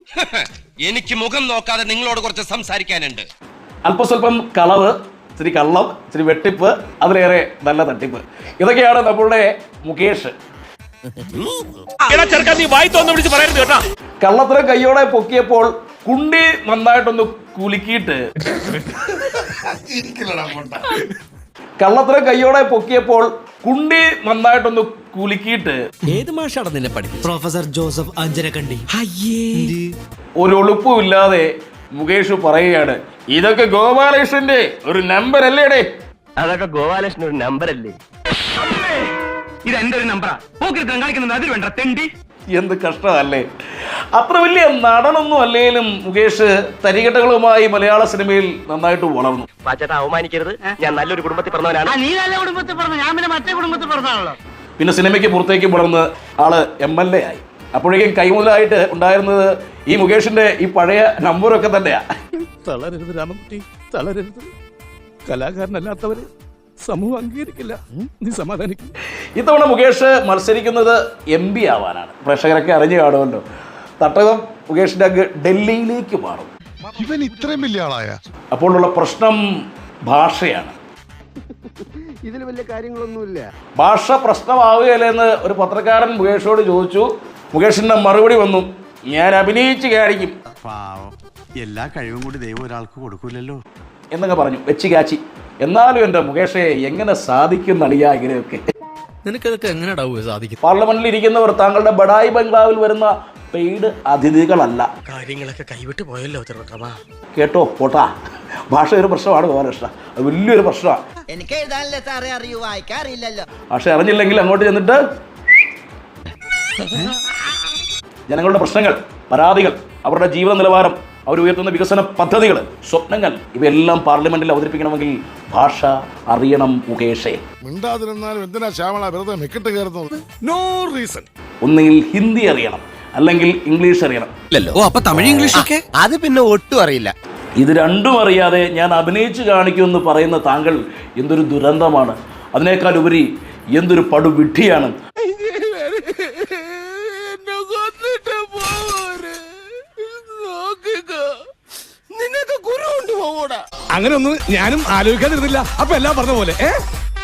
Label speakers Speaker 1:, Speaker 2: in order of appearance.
Speaker 1: എനിക്ക് മുഖം നോക്കാതെ നിങ്ങളോട് കുറച്ച് സംസാരിക്കാനുണ്ട്.
Speaker 2: അല്പസ്വല്പം കളവ്, ഇച്ചിരി കള്ളം, ഇച്ചിരി വെട്ടിപ്പ്, അതിലേറെ നല്ല തട്ടിപ്പ്. ഇതൊക്കെയാണ് നമ്മളുടെ മുകേഷ്. കള്ളത്തരം കയ്യോടെ പൊക്കിയപ്പോൾ കുണ്ടി നന്നായിട്ടൊന്ന് കുലുക്കിയിട്ട്
Speaker 3: ഏത് മാഷാണ് നിന്നെ പഠിപ്പിച്ചത്?
Speaker 4: Professor Joseph Anjarakandy.
Speaker 2: ഒരു ഒളിപ്പുമില്ലാതെ മുകേഷ് പറയുകയാണ്, ഇതൊക്കെ ഗോപാലകൃഷ്ണന്റെ ഒരു നമ്പർ അല്ലേടേ?
Speaker 5: അതൊക്കെ ഗോപാലകൃഷ്ണൻ ഒരു നമ്പർ അല്ലേ? ഇത് എന്റെ ഒരു നമ്പറാ. കളിക്കുന്നത് അതിൽ വേണ്ട തെണ്ടി.
Speaker 2: എന്ത് കഷ്ടമല്ലേ. അത്ര വലിയ നടനൊന്നും അല്ലെങ്കിലും മുകേഷ് തരികെട്ടുകളുമായി മലയാള സിനിമയിൽ നന്നായിട്ട് വളർന്നു.
Speaker 5: പാച്ചേട്ടാ അവമാനിക്കരുത്, ഞാൻ നല്ലൊരു കുടുംബത്തിൽ പറഞ്ഞവനാണ്. നീ നല്ല കുടുംബത്തിൽ പറഞ്ഞു, ഞാൻ പിന്നെ മറ്റേ കുടുംബത്തിൽ പറഞ്ഞാണല്ലോ.
Speaker 2: പിന്നെ സിനിമയ്ക്ക് പുറത്തേക്ക് വളർന്ന് ആള് MLA ആയി. അപ്പോഴേക്കും കൈമുതലായിട്ട് ഉണ്ടായിരുന്നത് ഈ മുകേഷിന്റെ ഈ പഴയ നമ്പറൊക്കെ തന്നെയാ.
Speaker 6: തളരരുത് രാമൻകുട്ടി, തളരരുത്. കലാകാരനല്ലാത്തവരെ സമൂഹം അംഗീകരിക്കില്ല. നീ സമാധാനിക്കും.
Speaker 2: ഇത്തവണ മുകേഷ് മത്സരിക്കുന്നത് MP ആവാനാണ്. പ്രേക്ഷകരൊക്കെ അറിഞ്ഞു കാണുമല്ലോ. തട്ടകം മുകേഷിന്റെ അങ്ങ് ഡൽഹിയിലേക്ക് മാറും.
Speaker 7: ഇവൻ ഇത്രയും വലിയ ആളായ
Speaker 2: അപ്പോഴുള്ള പ്രശ്നം ഭാഷയാണ്.
Speaker 5: ഇതിൽ വലിയ കാര്യങ്ങളൊന്നുമില്ല.
Speaker 2: ഭാഷ പ്രശ്നമാവുകയല്ലെന്ന് ഒരു പത്രക്കാരൻ മുകേഷോട് ചോദിച്ചു. മുകേഷിന്റെ മറുപടി വന്നു, ഞാൻ അഭിനയിച്ച് കാണിക്കും.
Speaker 7: എല്ലാ കഴിവും കൂടി ദൈവം ഒരാൾക്ക് കൊടുക്കൂലല്ലോ
Speaker 2: എന്നങ്ങ് പറഞ്ഞു, വെച്ച് കാച്ചി. എന്നാലും എൻ്റെ മുകേഷെ എങ്ങനെ സാധിക്കും നടിയാ ഇങ്ങനെയൊക്കെ?
Speaker 3: നിനക്കതൊക്കെ എങ്ങനെയാ സാധിക്കും?
Speaker 2: പാർലമെന്റിൽ ഇരിക്കുന്നവർ താങ്കളുടെ ബഡായി ബംഗ്ലാവിൽ വരുന്ന പെയ്ഡ് അതിഥികളല്ല.
Speaker 4: കാര്യങ്ങളൊക്കെ കൈവിട്ട് പോയല്ലോ.
Speaker 2: കേട്ടോ പോട്ടാ, ഭാഷ ഒരു പ്രശ്നമാണ് ഗോപാലകൃഷ്ണ, അത് വലിയൊരു പ്രശ്നമാണ്.
Speaker 8: എനിക്ക് എഴുതാനല്ലേ സാറേ അറിയൂ, വായിക്കാറില്ലല്ലോ.
Speaker 2: ഭാഷ അറിഞ്ഞില്ലെങ്കിൽ അങ്ങോട്ട് ചെന്നിട്ട് ജനങ്ങളുടെ പ്രശ്നങ്ങൾ, പരാതികൾ, അവരുടെ ജീവിത നിലവാരം, അവരുയർത്തുന്ന വികസന പദ്ധതികൾ, സ്വപ്നങ്ങൾ, ഇവയെല്ലാം പാർലമെന്റിൽ അവതരിപ്പിക്കണമെങ്കിൽ ഭാഷ അറിയണം മുകേഷേ.
Speaker 7: മിണ്ടാതിരുന്നാലും എന്തിനാ ശ്യാമള വെറുതെ മെക്കിട്ട് കയറുന്നത്? No reason.
Speaker 2: ഒന്നുകിൽ ഹിന്ദി അറിയണം, അല്ലെങ്കിൽ ഇംഗ്ലീഷ് അറിയണം.
Speaker 3: ഓ, അപ്പൊ തമിഴ് ഇംഗ്ലീഷ് ഒക്കെ
Speaker 4: അത് പിന്നെ ഒട്ടും അറിയില്ല.
Speaker 2: ഇത് രണ്ടും അറിയാതെ ഞാൻ അഭിനയിച്ചു കാണിക്കുമെന്ന് പറയുന്ന താങ്കൾ എന്തൊരു ദുരന്തമാണ്. അതിനേക്കാൾ ഉപരി എന്തൊരു പടുവിഡ്ഢിയാണ്.
Speaker 6: അങ്ങനെ ഒന്നും ഞാനും ആലോചിക്കാതിരുന്നില്ല. അപ്പൊ എല്ലാം പറഞ്ഞ പോലെ